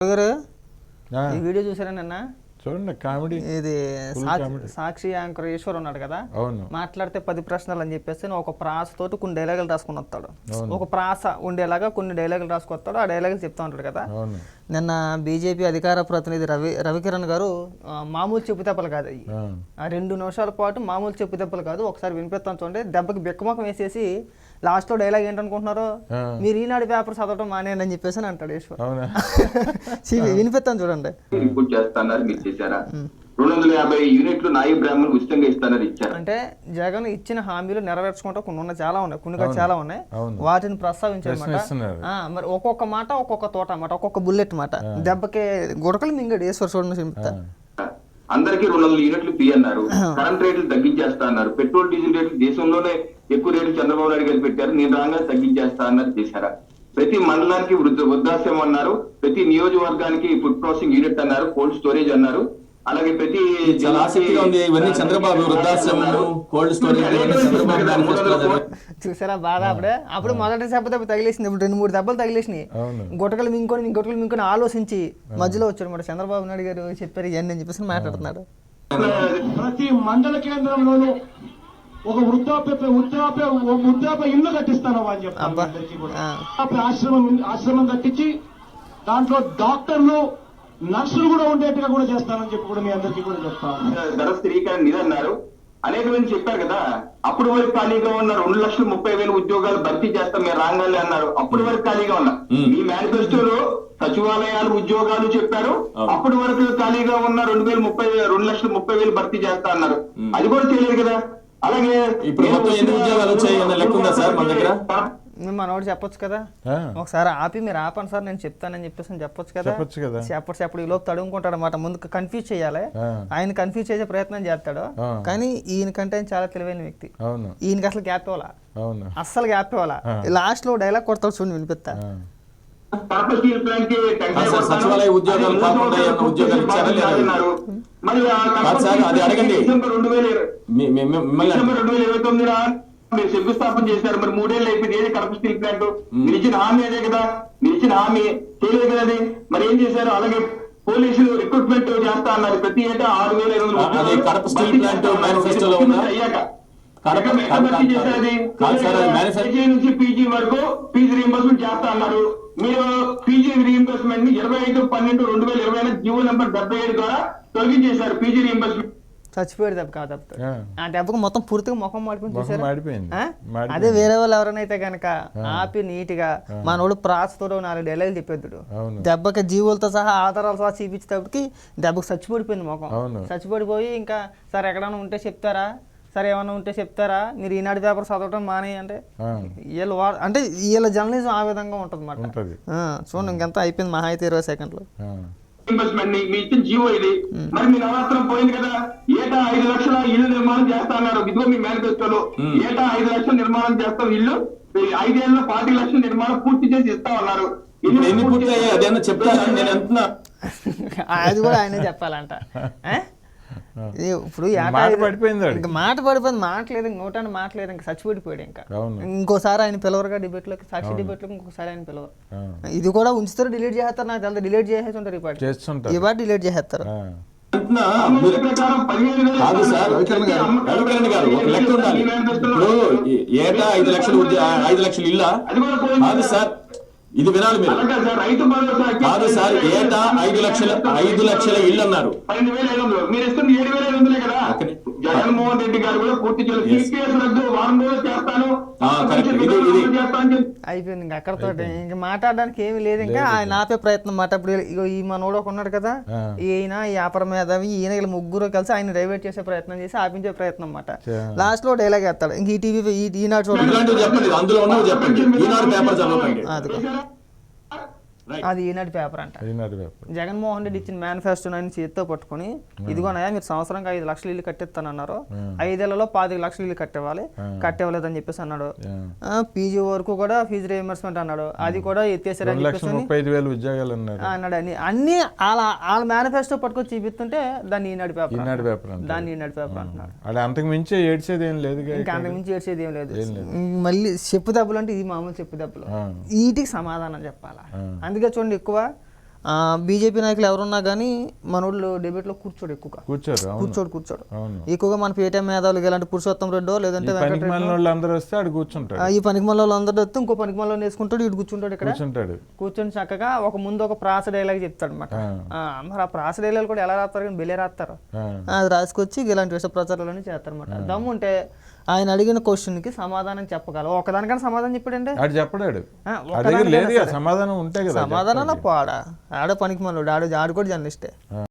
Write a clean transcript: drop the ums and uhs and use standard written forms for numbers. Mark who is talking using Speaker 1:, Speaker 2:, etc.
Speaker 1: గారు ఈ వీడియో చూసారా నిన్న?
Speaker 2: చూడండి, కామెడీ.
Speaker 1: ఇది సాక్షి యాంకర్ ఈశ్వర్ ఉన్నాడు కదా, మాట్లాడితే 10 ప్రశ్నలు అని చెప్పేసి ఒక ప్రాసతోటి కొన్ని డైలాగులు రాసుకుని వస్తాడు. ఒక ప్రాస ఉండేలాగా కొన్ని డైలాగులు రాసుకొస్తాడు, ఆ డైలాగులు చెప్తా ఉంటాడు కదా. నిన్న బీజేపీ అధికార ప్రతినిధి రవికిరణ్ గారు మామూలు చెప్పుదెబ్బలు కాదు అయ్యి, ఆ 2 నిమిషాల పాటు మామూలు చెప్పుదెబ్బలు కాదు, ఒకసారి వినిపిస్తాను చూడండి. దెబ్బకి బిక్కమొఖం వేసేసి లాస్ట్ లో డైలాగ్ ఏంటనుకుంటున్నారు, మీరు ఈనాడు పేపర్ చదవడం మానేయండి అని చెప్పేసి అంటాడు ఈశ్వర్. వినిపిస్తాను చూడండి.
Speaker 3: 250 యూనిట్లు నాయి బ్రాహ్మణులు ఉచితంగా ఇస్తానని ఇచ్చారు.
Speaker 1: అంటే జగన్ ఇచ్చిన హామీలు నెరవేర్చుకుంటూ కొన్ని చాలా ఉన్నాయి, కొన్ని చాలా ఉన్నాయి, వాటిని ప్రస్తావించారన్నమాట. మరి ఒక్కొక్క మాట ఒక్కొక్క తోట అన్నమాట, ఒక్కొక్క బుల్లెట్ మాట. దెబ్బకి గుడకలు మింగాడు ఈశ్వర్. చూడండి,
Speaker 3: అందరికీ 200 యూనిట్లు ఫ్రీ అన్నారు, కరెంట్ రేట్లు తగ్గించేస్తా అన్నారు, పెట్రోల్ డీజిల్ రేట్లు దేశంలోనే ఎక్కువ రేట్లు చంద్రబాబు నాయుడు గారు పెట్టారు, నేను రాగా తగ్గించేస్తా అన్నారు, చేశారా? ప్రతి మండలానికి వృద్ధాశ్రమం అన్నారు, ప్రతి నియోజకవర్గానికి ఫుడ్ ప్రాసెసింగ్ యూనిట్ అన్నారు, కోల్డ్ స్టోరేజ్ అన్నారు, అలాగే ప్రతి
Speaker 4: చాలా ఆసక్తిగా ఉంది. ఇవన్నీ చంద్రబాబు వృద్ధాశ్రమం, కోల్డ్ స్టోరేజ్
Speaker 1: చూసారా బాధ. అప్పుడు మొదటి దెబ్బ తగిలేసింది, ఇప్పుడు 2-3 దెబ్బలు తగిలేసినాయి. గుటకలు మింకొని ఆలోచించి మధ్యలో వచ్చాడు మాట చంద్రబాబు నాయుడు గారు చెప్పారు ఇవన్నీ అని చెప్పేసి మాట్లాడుతున్నాడు.
Speaker 5: ప్రతి మండల కేంద్రంలోనూ ఒక వృద్ధాప్య ఇల్లు కట్టిస్తాను అని చెప్పి ఆశ్రమం కట్టించి దాంట్లో డాక్టర్లు, నర్సులు కూడా ఉండేట్టుగా కూడా చేస్తానని చెప్పి కూడా మీ అందరికీ కూడా చెప్తాను.
Speaker 3: ధర స్థిరీకరణ నిధి అన్నారు, అనేక మంది చెప్పారు కదా. అప్పుడు వరకు ఖాళీగా ఉన్న 2,30,000 ఉద్యోగాలు భర్తీ చేస్తాం మీరు రాగాలి అన్నారు, అప్పుడు వరకు ఖాళీగా ఉన్నా. మీ మేనిఫెస్టోలో సచివాలయాలు ఉద్యోగాలు చెప్పారు, అప్పటి వరకు ఖాళీగా ఉన్న 2,30,000 భర్తీ చేస్తా అన్నారు, అది కూడా చేయలేదు కదా. అలాగే
Speaker 4: ఇప్పుడు ఎన్ని ఉద్యోగాలు వచ్చాయన్న లెక్క ఉందా సార్ మన దగ్గర?
Speaker 1: మనోడు చెప్పొచ్చు కదా, ఒకసారి ఆపి మీరు ఆపండి సార్ నేను చెప్తానని చెప్పేసి చెప్పొచ్చు కదా. చెప్పడు ఈ లోపు తడుముకుంటాడు అన్నమాట. ముందు కన్ఫ్యూజ్ చేయాలి, ఆయన కన్ఫ్యూజ్ చేసే ప్రయత్నం చేస్తాడు. కానీ ఈయనకంటే చాలా తెలివైన వ్యక్తి, ఈయనకి అసలు గ్యాప్ ఇవ్వాలా, అస్సలు గ్యాప్ ఇవ్వాలా. లాస్ట్ లో డైలాగ్ కొడతాడు చూడండి, వినిపిస్తా.
Speaker 4: సచివాలయ ఉద్యోగాలు కాకుండా ఉద్యోగాలు ఇచ్చారన్నారు, అది అడగండి.
Speaker 3: డిసెంబర్ 2029 మీరు శంకుస్థాపన చేశారు, మరి 3 ఏళ్ళు అయిపోయింది. ఏది కడప స్టీల్ ప్లాంట్? మీరు ఇచ్చిన హామీ అదే కదా, మీరు ఇచ్చిన హామీ చేయలేదు కదా, అది మరి ఏం చేశారు? అలాగే పోలీసులు రిక్రూట్మెంట్ చేస్తా అన్నారు, ప్రతి ఏటా 6,500
Speaker 4: కడప స్టీల్ ప్లాంట్ మేనిఫెస్టోలో
Speaker 3: అయ్యాక నుంచి పీజీ వరకు ఫీజు రీయింబర్స్మెంట్ చేస్తా అన్నారు. మీరు పీజీ రీయింబర్స్మెంట్ ని 25/12/2020 జీవో నెంబర్ 77 ద్వారా తొలగించేశారు. పీజీ రీయింబర్స్మెంట్
Speaker 1: చచ్చిపోయాడు దెబ్బ కాదు, ఆ దెబ్బకు మొత్తం పూర్తిగా ముఖం మాడిపోయింది. అదే వేరే వాళ్ళు ఎవరైనా కనుక ఆపి నీట్ గా మనోడు ప్రాసతో 4 డైలాగులు చెప్పేద్దుడు, దెబ్బకి జీవులతో సహా ఆధారాలు సహా చూపించేటప్పటికి దెబ్బకు చచ్చిపడిపోయింది ముఖం. చచ్చిపడిపోయి ఇంకా సార్ ఎక్కడైనా ఉంటే చెప్తారా, సరే ఏమన్నా ఉంటే చెప్తారా, మీరు ఈనాడు పేపర్ చదవటం మానే అంటే వీళ్ళ జర్నలిజం ఆ విధంగా ఉంటుంది అన్నమాట. చూడండి, ఇంకెంత అయిపోయింది, మహా అయితే 20 సెకండ్లు.
Speaker 3: ఇన్వెస్ట్మెంట్ మీ ఇచ్చిన జీవో ఇది, మరి మీ నవరాత్రం పోయింది కదా. ఏటా 5 లక్షల ఇల్లు నిర్మాణం చేస్తా అన్నారు, ఇదిగో మీ మేనిఫెస్టోలో ఏటా 5 లక్షల నిర్మాణం చేస్తాం, ఇల్లు 5 ఏళ్ళలో 40 లక్షల నిర్మాణం పూర్తి చేసి ఇస్తా ఉన్నారు.
Speaker 1: అది కూడా ఆయనే చెప్పాలంట. ఇప్పుడు మాట పడిపోయింది, మాట్లేదు, నోటాన్ని మాట్లేదు, ఇంకా చచ్చిపడిపోయాడు. ఇంకా ఇంకోసారి ఆయన పిలవరుగా డిబేట్లోకి, సాక్షి డిబేట్లోకి ఇంకోసారి ఆయన పిలవరు. ఇది కూడా ఉంచుతారు, డిలీట్ చేస్తారు, నాకు తెలియదు డిలీట్ చేసేసి ఉంటారు, ఈ పాటి డిలీట్ చేసేస్తారు.
Speaker 4: కాదు సార్, రవికిరణ్ గారు ఒక లెక్క ఉండాలి. ఇప్పుడు ఏటా 5 లక్షలు ఇల్లా? కాదు సార్, ఇది వినాలి మీరు. కాదు సార్, ఏటా 5 లక్షల ఇల్లు అన్నారు.
Speaker 3: మీరు ఇస్తుంది 7,500 కదా. జగన్మోహన్ రెడ్డి గారు కూడా పూర్తి
Speaker 1: అయిపోయింది. ఇంకా అక్కడతో ఇంకా మాట్లాడడానికి ఏమి లేదు. ఇంకా ఆయన ఆపే ప్రయత్నం మాట. ఇప్పుడు ఈ మనోడు ఒక ఉన్నాడు కదా, ఈయన ఈ వ్యాపార మేధావి, ఈయన వీళ్ళు ముగ్గురు కలిసి ఆయన డైవర్ట్ చేసే ప్రయత్నం చేసి ఆపించే ప్రయత్నం అన్నమాట. లాస్ట్ లో డైలాగ్ వేస్తాడు, ఇంక ఈ టీవీ ఈనాడు
Speaker 4: చెప్పండి, అందులో ఉన్నవి చెప్పండి. ఈనాడు పేపర్ చదవకండి,
Speaker 1: అది ఈనాడు పేపర్ అంట. జగన్మోహన్ రెడ్డి ఇచ్చిన మేనిఫెస్టో ఆయన చేతితో పట్టుకుని, ఇదిగోనయా మీరు సంవత్సరానికి 5 లక్షల ఇల్లు కట్టిస్తానన్నారు, 5 ఏళ్లలో 25 లక్షల ఇల్లు కట్టేవాలేదని చెప్పేసి అన్నాడు. పీజీ వరకు కూడా ఫీజు రీయింబర్స్మెంట్ అన్నాడు, అది కూడా ఎత్తేసారని చెప్పేసి అన్నాడు. అన్ని వాళ్ళ మేనిఫెస్టో పట్టుకొని చూపిస్తుంటే దాన్ని ఈనాడు పేపర్ అంటున్నాడు.
Speaker 2: అంతకు మించి ఏడ్చేది ఏం లేదు,
Speaker 1: ఇంకా అంతకు మించి ఏడ్చేది ఏం లేదు. మళ్ళీ చెప్పు దెబ్బలు అంటే ఇది మామూలు చెప్పు దెబ్బలు, వీటికి సమాధానం చెప్పాలా. అందుకే చూడండి, ఎక్కువ బీజేపీ నాయకులు ఎవరున్నా కానీ మనోళ్ళు డిబేట్లో కూర్చోడు ఎక్కువగా
Speaker 2: కూర్చోరు. అవును.
Speaker 1: కూర్చోడు
Speaker 2: అవును.
Speaker 1: ఎక్కువగా మన పేటీఎం మేధావులు ఇలాంటి పురుషోత్తం రెడ్డో లేదంటే
Speaker 2: పనికి మాలిన వాళ్ళు అందరూ వస్తే ఆడు కూర్చుంటాడు.
Speaker 1: ఈ పనికి మళ్ళీ అందరూ వస్తే ఇంకో పనికి మళ్ళీ వేసుకుంటాడు, ఇటు కూర్చుంటాడు, ఇక్కడ
Speaker 2: కూర్చుంటాడు.
Speaker 1: కూర్చొని చక్కగా ముందు ఒక ప్రాస డైలాగ్ చెప్తాడు అనమాట. మరి ఆ ప్రాస డైలాగ్ కూడా ఎలా రాస్తారు కానీ బెలే రాస్తారు. అది రాసుకొచ్చి ఇలాంటి విష ప్రచారాలన్నీ చేస్తారనమాట. దమ్ము ఉంటే ఆయన అడిగిన క్వశ్చన్కి సమాధానం చెప్పగలవు. ఒకదానికన్నా సమాధానం చెప్పాడంటే
Speaker 2: ఆడు చెప్పడాడు. సమాధానం ఉంటే కదా
Speaker 1: సమాధానం పోడా ఆడ పనికి మళ్ళీ ఆడు కూడా జర్నలిస్టే.